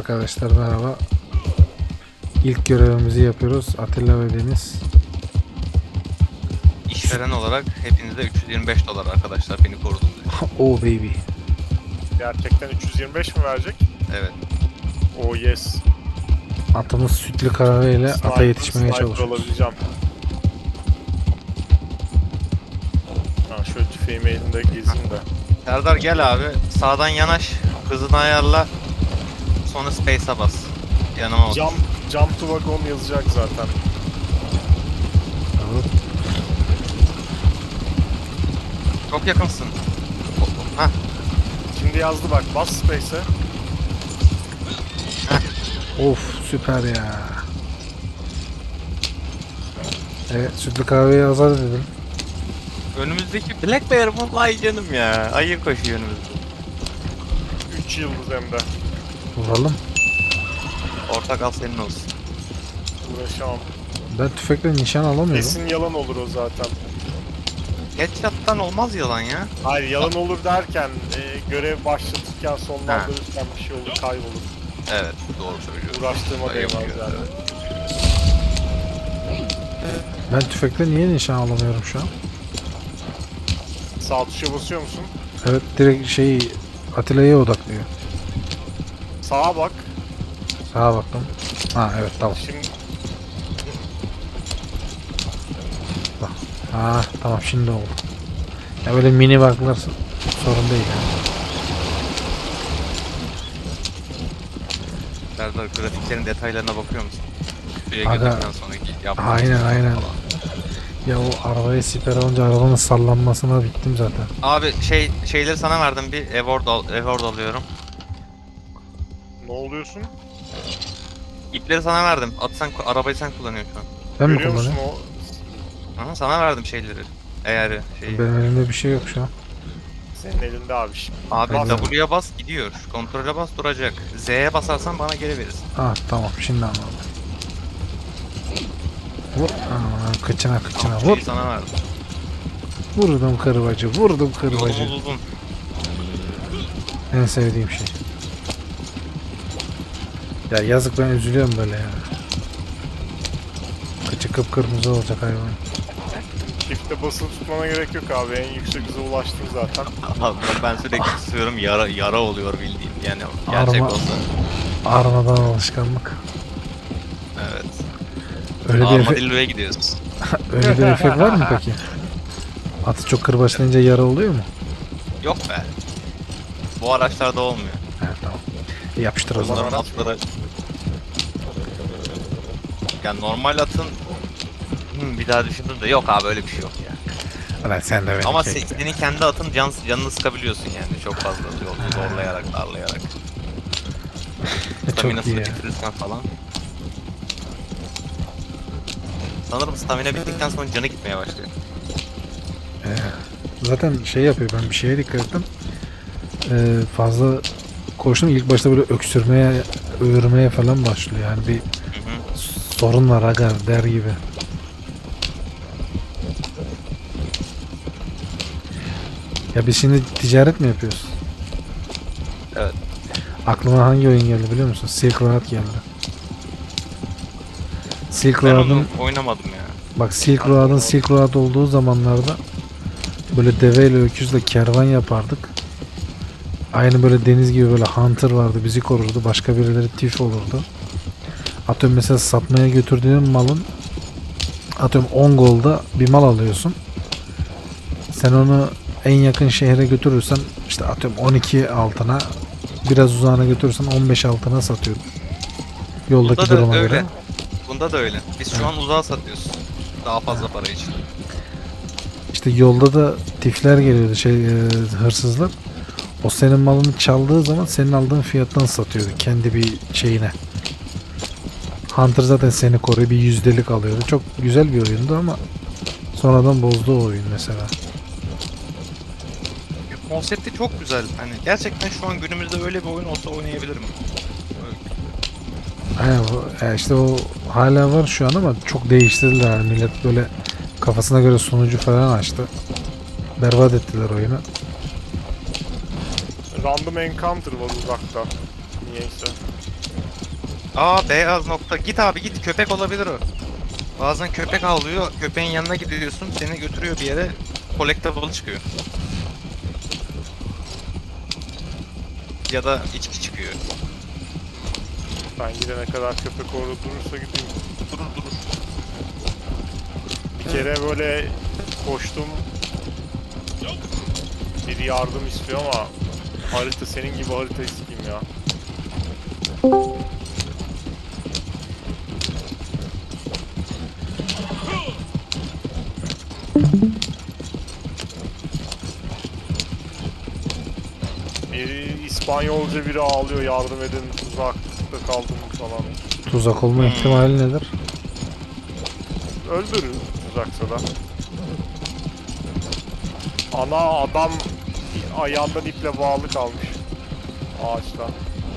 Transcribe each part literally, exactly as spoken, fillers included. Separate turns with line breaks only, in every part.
Arkadaşlar merhaba. İlk görevimizi yapıyoruz. Atilla ve Deniz.
İşveren olarak hepinize üç yüz yirmi beş dolar arkadaşlar, beni korudunuz.
Oh baby.
Gerçekten üç yüz yirmi beş mi verecek?
Evet.
Oh yes.
Atımız sütlü kahveyle ata
Sniper-
yetişmeye
sniper
çalışıyoruz.
alabileceğim. Ha, şöyle tüfeğimi elimde gezeyim de.
Serdar gel abi, sağdan yanaş, hızını ayarla, sonra space'a bas. Yanıma otur.
Jump, jump to wagon yazacak zaten.
Evet.
Çok yakınsın. Hah,
Şimdi yazdı bak, bas space'e.
Of süper ya. Evet sütlü kahveyi azar dedim.
önümüzdeki Black Bear mı? Vay canım ya, ayı koşuyor önümüzde.
üç yıldız hem de.
Vuralım.
Ortak al senin olsun.
Uğraşamam.
Ben tüfekle nişan alamıyorum.
Kesin yalan olur o zaten.
Headshot'tan olmaz yalan ya.
Hayır, yalan olur derken e, görev başlatırken sonlandırırken bir şey olur, kaybolur.
Evet, doğru söylüyorsun.
Uğraştığıma
Ayıp
değmez
ya,
yani.
Ben tüfekle niye nişan alamıyorum şu an?
Sağ tuşa basıyor musun?
Evet direkt şey Atilla'ya odaklıyor.
Sağa bak.
Sağa baktım. Ha evet tamam.
Şimdi
Ha tamam şimdi oldu. Ya böyle mini bug'lar sorun değil yani.
Serdar, grafiklerin detaylarına bakıyor musun? Şuraya
Aga,
girdikten sonraki yaptığın
aynen,
şeyler
aynen.
falan.
Ya o arabaya siper alınca arabanın sallanmasına bittim zaten.
Abi şey şeyleri sana verdim, bir award, al, award alıyorum.
ne oluyorsun?
İpleri sana verdim. At sen, arabayı sen kullanıyorsun şu an.
Ben mi
Görüyor musun
kullanıyorum?
o?
Aha, sana verdim şeyleri. Eğer şey.
Benim elimde bir şey yok şu an.
Senin elinde abi şimdi.
Abi
Aynen.
W'ye bas gidiyor. Kontrole bas duracak. Z'ye basarsan bana geri verirsin.
Ah tamam şimdi anladım. Vur. Aa, kıçına kıçına
Tamam,
vur.
şeyi sana verdim.
Vurdum kırbacı. Vurdum kırbacı.
Yolumuz uzun.
En sevdiğim şey. Ya yazık ben üzülüyorum böyle ya. Kıçı kıpkırmızı olacak hayvan.
Çifte basılı tutmana gerek yok abi. En yüksek hıza ulaştın zaten.
Abi ben sürekli tutuyorum, yara yara oluyor bildiğin. Yani gerçek
Arma-
olsa.
Armadan alışkanlık.
Evet.
Öyle bir, efe-
Armadillo'ya gidiyoruz.
öyle bir efekt var mı peki? Atı çok kırbaçlayınca yara oluyor mu?
Yok be. Bu araçlarda olmuyor.
He tamam. E, yapıştır o zaman.
Bunların atları... Yani normal atın... Hmm, bir daha düşündüm de yok abi, öyle bir şey yok ya.
Ulan sen de beni
Ama
kekle.
se- senin kendi atın can, canını sıkabiliyorsun yani, çok fazla yolda zorlayarak, darlayarak.
Çok iyi
Staminasını
ya.
bitirirsen falan. Sanırım stamina bittikten sonra canı gitmeye başlıyor.
Ee, zaten şey yapıyor, ben bir şeye dikkat ettim. Ee, fazla koştum, ilk başta böyle öksürmeye, öğürmeye falan başlıyor yani bir
Hı hı.
sorun var aga der gibi. Ya biz şimdi ticaret mi yapıyoruz?
Evet.
Aklıma hangi oyun geldi biliyor musun? Silk Road geldi. Silk
Ben
Road'un
onu oynamadım ya.
bak Silk Road'un Silk Road olduğu zamanlarda böyle deveyle öküzle kervan yapardık. Aynı böyle deniz gibi böyle hunter vardı, bizi korurdu. Başka birileri tif olurdu. Atıyorum mesela satmaya götürdüğün malın atıyorum on golda bir mal alıyorsun. Sen onu en yakın şehre götürürsen işte atıyorum on iki altına, biraz uzağına götürürsen on beş altına satıyordun. Yoldaki
Bunda da
duruma
öyle.
göre.
Bunda da öyle. Biz şu an uzağa satıyoruz. Daha fazla para için.
İşte yolda da tifler geliyordu, şey e, hırsızlar. O senin malını çaldığı zaman senin aldığın fiyattan satıyordu kendi bir şeyine. Hunter zaten seni koruyor, bir yüzdelik alıyordu. Çok güzel bir oyundu ama sonradan bozdu o oyun mesela.
Konsepti çok güzel. Hani gerçekten şu an günümüzde öyle bir oyun olsa oynayabilirim.
Aynen, bu- ya işte o hala var şu an ama çok değiştirdiler yani, millet böyle kafasına göre sunucu falan açtı. Berbat ettiler oyunu.
Random encounter var uzakta. Niyeyse.
Aa beyaz nokta. Git abi git, köpek olabilir o. Bazen köpek avlıyor, köpeğin yanına gidiyorsun, seni götürüyor bir yere, collectible çıkıyor. Ya da içki çıkıyor.
Ben gidene kadar köpek orada durursa gideyim.
Durur durur.
Bir kere böyle koştum. Biri yardım istiyor ama harita senin gibi harita isteyeyim ya. Biri İspanyolca biri ağlıyor, yardım edin, tuzakta kaldım falan.
Tuzak olma ihtimali nedir?
Öldürür tuzaksa da. Ana adam ayağından iple bağlı kalmış ağaçta.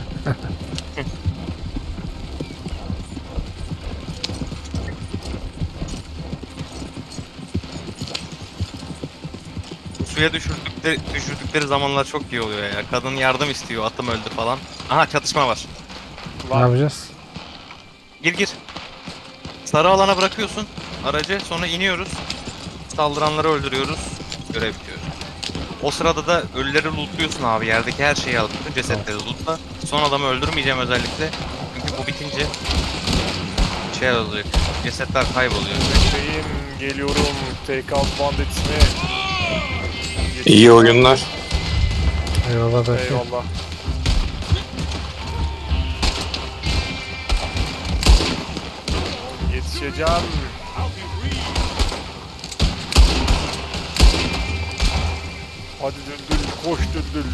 Suya düşürdükleri, düşürdükleri zamanlar çok iyi oluyor ya. Kadın yardım istiyor, atım öldü falan. Aha çatışma var.
Ne yapacağız?
Gir gir. Sarı alana bırakıyorsun aracı, sonra iniyoruz. Saldıranları öldürüyoruz. Görev bitiyor. O sırada da ölüleri lootluyorsun abi. Yerdeki her şeyi alıp bütün cesetleri lootla. Son adamı öldürmeyeceğim özellikle. Çünkü bu bitince şey olacak. Cesetler kayboluyor.
Bekleyin, geliyorum. Take out banditsini.
İyi oyunlar.
Eyvallah belki.
Eyvallah. Yetişeceğim. Hadi düldül, koş düldül.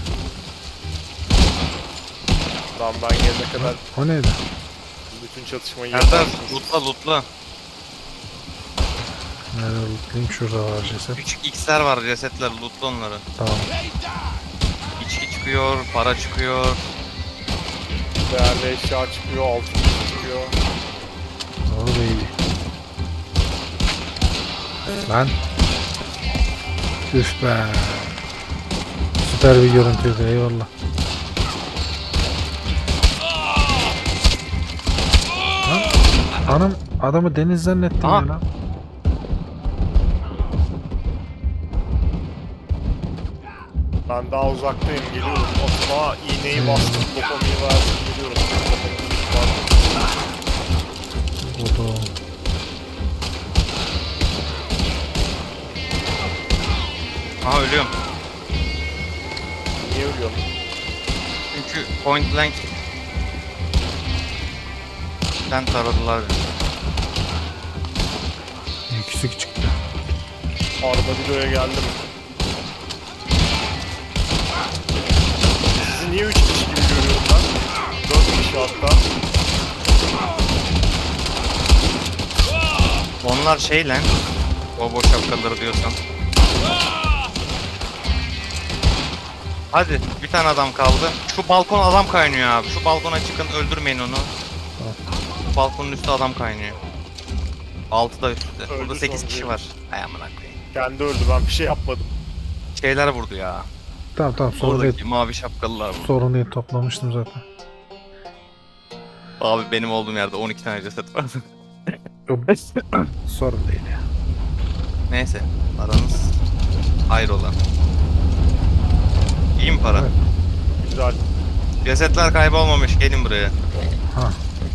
Lan ben gelene kadar
O neydi?
bütün çatışmayı
Serdar
yaparsınız.
lootla lootla.
Nerede lootlayayım? Şurada var ceset.
Küçük X'ler var, cesetler, lootla onları.
Tamam.
İçki çıkıyor, para çıkıyor.
Değerli eşya çıkıyor, altın çıkıyor.
O da iyi. Lan. Üf be. Süper bir görüntüydü, eyvallah. Lan, anam adamı deniz zannettim
Aha.
ya lan.
Ben daha uzaktayım, geliyorum. Otıma iğneyi
Hmm.
bastım, dopamayı verdim, geliyorum.
O da.
Aha ölüyorum.
Niye ölüyorum?
Çünkü point blank sen taradılar beni.
Yüksük çıktı.
Armadillo'ya geldim. Sizi niye üç kişi gibi görüyorum ben? dört kişi hatta.
Onlar şey lan. O boş şapkaları diyorsan. Hadi bir tane adam kaldı. Şu balkon adam kaynıyor abi. Şu balkona çıkın, öldürmeyin onu. Şu balkonun üstü adam kaynıyor. Altı da üstte.
Öldü
Burada sekiz
sonuncu.
kişi var. Ay amına koyayım.
Kendi öldü, ben bir şey yapmadım.
Şeyler vurdu ya.
Tamam tamam sorun
Oradaki
değil.
mavi şapkalılar vurdu.
Sorun değil, toplamıştım zaten.
Abi benim olduğum yerde on iki tane ceset vardı.
Sorun değil ya.
Neyse. Paranız hayrola. İyi mi para?
Evet.
Güzel.
Cesetler kaybolmamış. Gelin buraya.
Ha.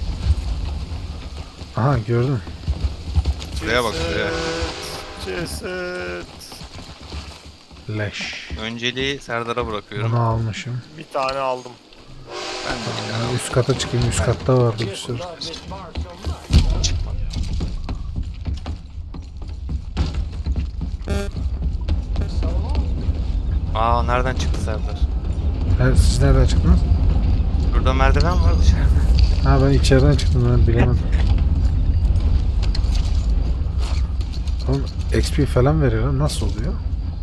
Aha gördün.
Şuraya bak, şuraya.
Ceset, ceset.
Leş.
Önceliği Serdar'a bırakıyorum.
Bunu almışım.
Bir tane aldım.
Ben de bir tane
Yani üst kata çıkayım. Üst katta vardı bir sürü.
çıkmadı. Aa nereden çıktı Serdar?
Ha, siz nereden çıktınız?
Burada merdiven var dışarıda.
Ha ben içeriden çıktım, ben bilemedim. Oğlum X P falan veriyor lan, nasıl oluyor?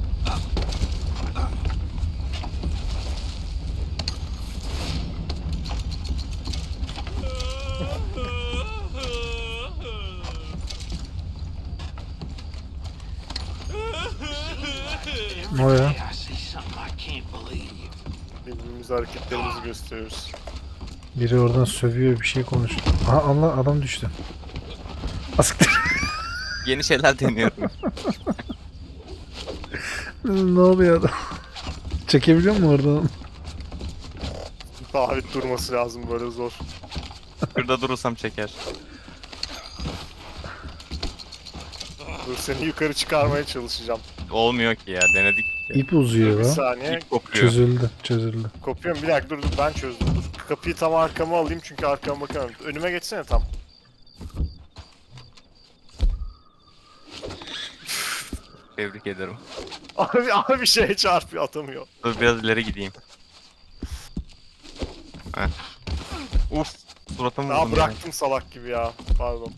Ne o ya?
Birbirimize hareketlerimizi gösteriyoruz.
Biri oradan sövüyor, bir şey konuşuyor. Aha, Allah, adam düştü. Asiktir.
Yeni şeyler deniyorum.
Ne oluyor adam? Çekebiliyor mu oradan?
Sabit durması lazım, böyle zor.
Şurada durursam çeker.
Dur, seni yukarı çıkarmaya çalışacağım.
Olmuyor ki ya, denedik.
İp uzuyor
Bir
lan.
saniye.
İp kopuyor.
Çözüldü, çözüldü.
Kopuyorum. Bir dakika dur, dur ben çözdüm. Dur. Kapıyı tam arkama alayım çünkü arkama bakamıyorum. Önüme geçsene tam.
Tebrik ederim.
Abi, abi bir şeye çarpıyor, atamıyor.
Dur biraz ileri gideyim. Heh. Uf, suratımı
Daha
vurdum ya.
bıraktım salak gibi ya. Pardon.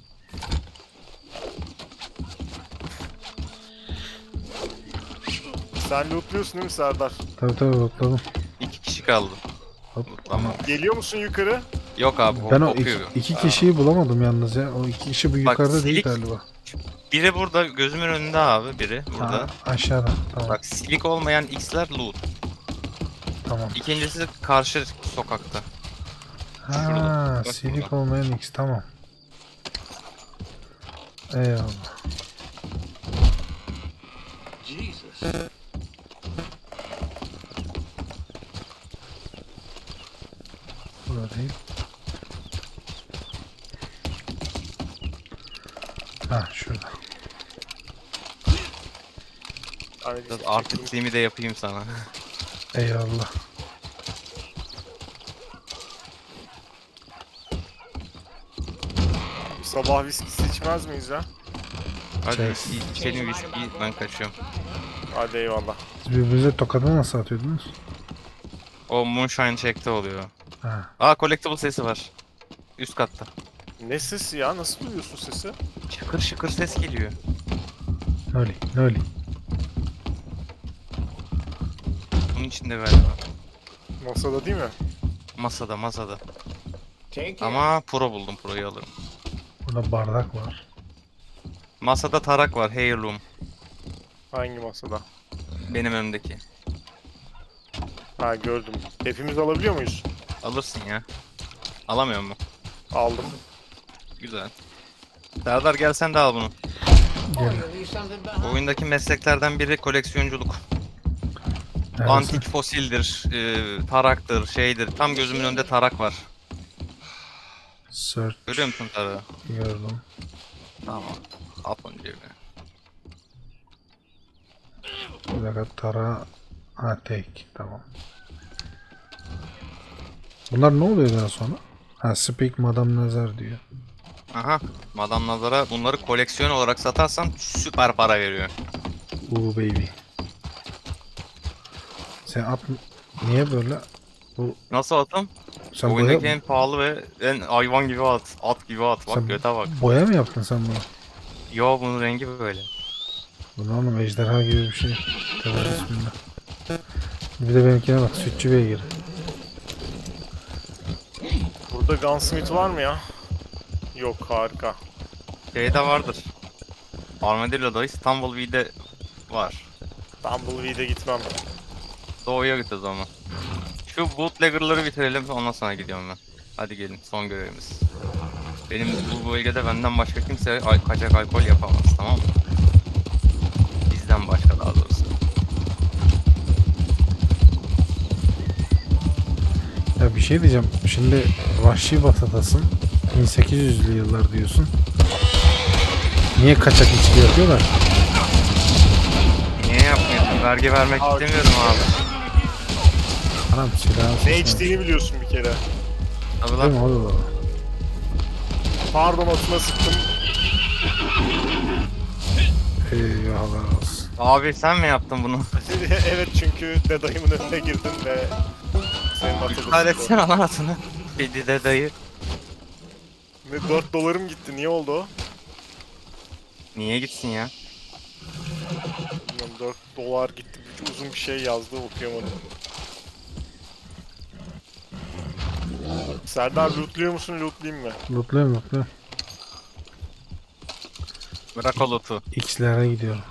Sen lootluyorsun değil mi Serdar?
Tabii tabii, bakalım.
İki kişi kaldı.
Hop.
Tamam.
Geliyor musun yukarı?
Yok abi,
Ben o
kopuyor.
iki, iki kişiyi bulamadım yalnız ya. O iki kişi bu
Bak,
yukarıda değil
silik-
galiba.
Biri burada gözümün önünde abi, biri burada.
Ha, aşağıda. Tamam.
Bak, silik olmayan X'ler loot.
Tamam.
İkincisi karşı sokakta.
Ha,
şurada. Bak
silik
burada.
olmayan X, tamam. Eyvallah. Burada değil. Ha, şurada.
Hani
Biraz artistliğimi de yapayım sana.
Eyvallah.
sabah viskisi içmez miyiz ya?
Hadi
Çek.
içelim viski, ben kaçıyorum.
Hadi eyvallah.
Siz birbirinize tokadı nasıl atıyordunuz?
O moonshine check'te oluyor.
Ha.
Aa, collectible sesi var. Üst katta.
Ne sesi ya? Nasıl duyuyorsun sesi?
Şıkır şıkır ses geliyor.
Noli, noli.
Bunun içinde galiba.
Masada değil mi?
Masada masada. Ama pro buldum, proyu alırım.
Burada bardak var.
Masada tarak var, heirloom.
Hangi masada?
Benim önümdeki.
Ha, gördüm. Hepimiz alabiliyor muyuz?
Alırsın ya. Alamıyor mu?
Aldım.
Güzel. Serdar, gel sen de al bunu.
Gel.
Oyundaki mesleklerden biri koleksiyonculuk.
Neredesin?
Antik fosildir, e, taraktır, şeydir. Tam gözümün önünde tarak var.
Search.
Görüyor musun tarağı?
Gördüm.
Tamam. At onu cebine.
Bir dakika, tara. Ha, tek. Tamam. Bunlar ne oluyor daha sonra? Ha, Speak Madame Nazar diyor.
Aha. Madame Nazar'a bunları koleksiyon olarak satarsan süper para veriyor.
Ooh baby. Sen at... Niye böyle? Bu...
Nasıl atım?
Sen
Oyundaki
boya...
en pahalı ve en hayvan gibi at. At gibi at. Bak
Sen
göte bak.
boya mı yaptın sen bunu?
Yo, bunun rengi böyle.
Bu ne oğlum, ejderha gibi bir şey. Tövbe bismillah. Bir de benimkine bak, sütçü beygiri.
Burada Gunsmith var mı ya? Yok, harika.
Şeyde vardır. Armadillo'da, Stumbleweed'de var.
Tumbleweed'e gitmem.
Doğuya git o zaman. Şu bootlegger'ları bitirelim, ondan sonra gidiyorum ben. Hadi gelin, son görevimiz. Benim bu bölgede benden başka kimse al kaçak alkol yapamaz, tamam mı? Bizden başka, daha doğrusu.
Ya bir şey diyeceğim. Şimdi Vahşi Batı'dasın. bin sekiz yüzlü yıllar diyorsun. Niye kaçak içki yapıyorlar?
Niye yapmıyorsun? Vergi vermek
Abi.
istemiyorum abi.
Anam silahı
Ne
sıçramış.
içtiğini biliyorsun bir kere.
Tabii
Değil mi
lan.
oğlum?
Pardon, atına sıktım.
Eyvallah olsun.
Abi sen mi yaptın bunu?
Evet, çünkü dedayımın önüne girdim ve senin atını
İptal
sıktım.
etsene lan atını. Kedi de dayı.
Ve dört dolarım gitti. Niye oldu o?
Niye gitsin ya?
Bilmiyorum, dört dolar gitti. Bir- Uzun bir şey yazdı, okuyamadım. Serdar, lootluyor musun, lootlayayım mı?
Lootluyorum lootluyorum.
Bırak o loot'u.
X'lere gidiyorum.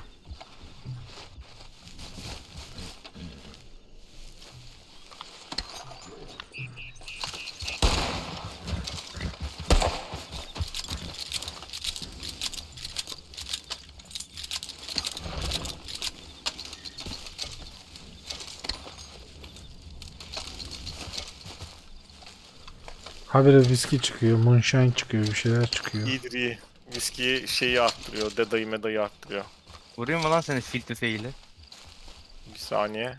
Habire viski çıkıyor, moonshine çıkıyor, bir şeyler çıkıyor.
İyidir iyi. Viskiyi şeyi arttırıyor. Dedayı medayı arttırıyor.
Vurayım mı lan seni fil tüfeğiyle?
Bir saniye.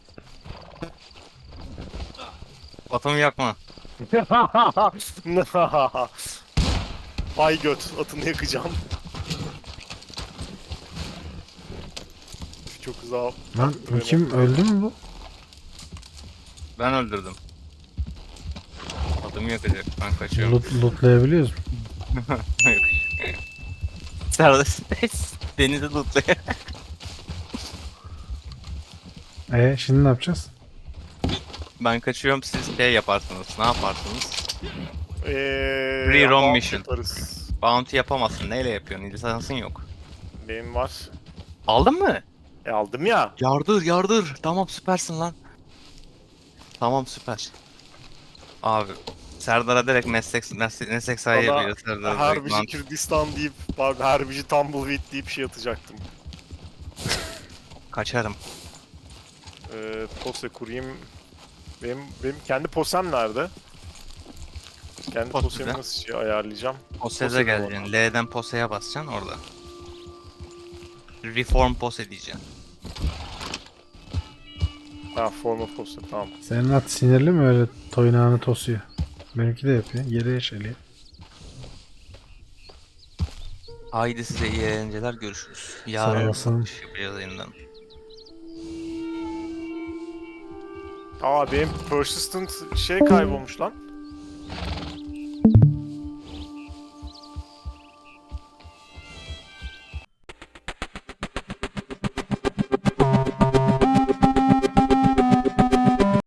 Atımı yakma.
Ay göt. Atını yakacağım. Çok güzel.
Lan bu kim, öldü mü bu?
Ben öldürdüm. Atımı yakacak. Ben kaçıyorum.
Loot, lootlayabiliyoruz mu?
Serdar denizi lootluyor.
E şimdi ne yapacağız?
Ben kaçıyorum, siz şey yaparsınız. Ne yaparsınız?
Eee...
Free roam
ama
mission.
yaparız.
Bounty yapamazsın. Neyle yapıyorsun? Lisansın yok.
Benim var.
Aldın mı?
E aldım ya.
Yardır yardır. Tamam süpersin lan. Tamam süper. Abi Serdar'a direkt meslek meslek, meslek sahibi
Bana
yapıyor Serdar'a direkt
Herbici
lan.
Kürdistan deyip, pardon Herbici Tumbleweed deyip şey atacaktım.
Kaçarım.
Ee, pose kurayım. Benim, benim kendi posem nerede? Kendi
Pose
posemi
de.
nasıl şey ayarlayacağım?
Poseze
Pose de
geleceksin. L'den poseye basacaksın orada. Reform pose diyeceksin.
Ha forma pose tamam.
Senin at sinirli mi öyle toynağını tosuyor? Benimki de yapıyor. Yere eşeliyor.
Haydi size iyi eğlenceler, görüşürüz. Yarın
olasın.
satış yapacağız yeniden.
Aa benim persistent şey kaybolmuş lan.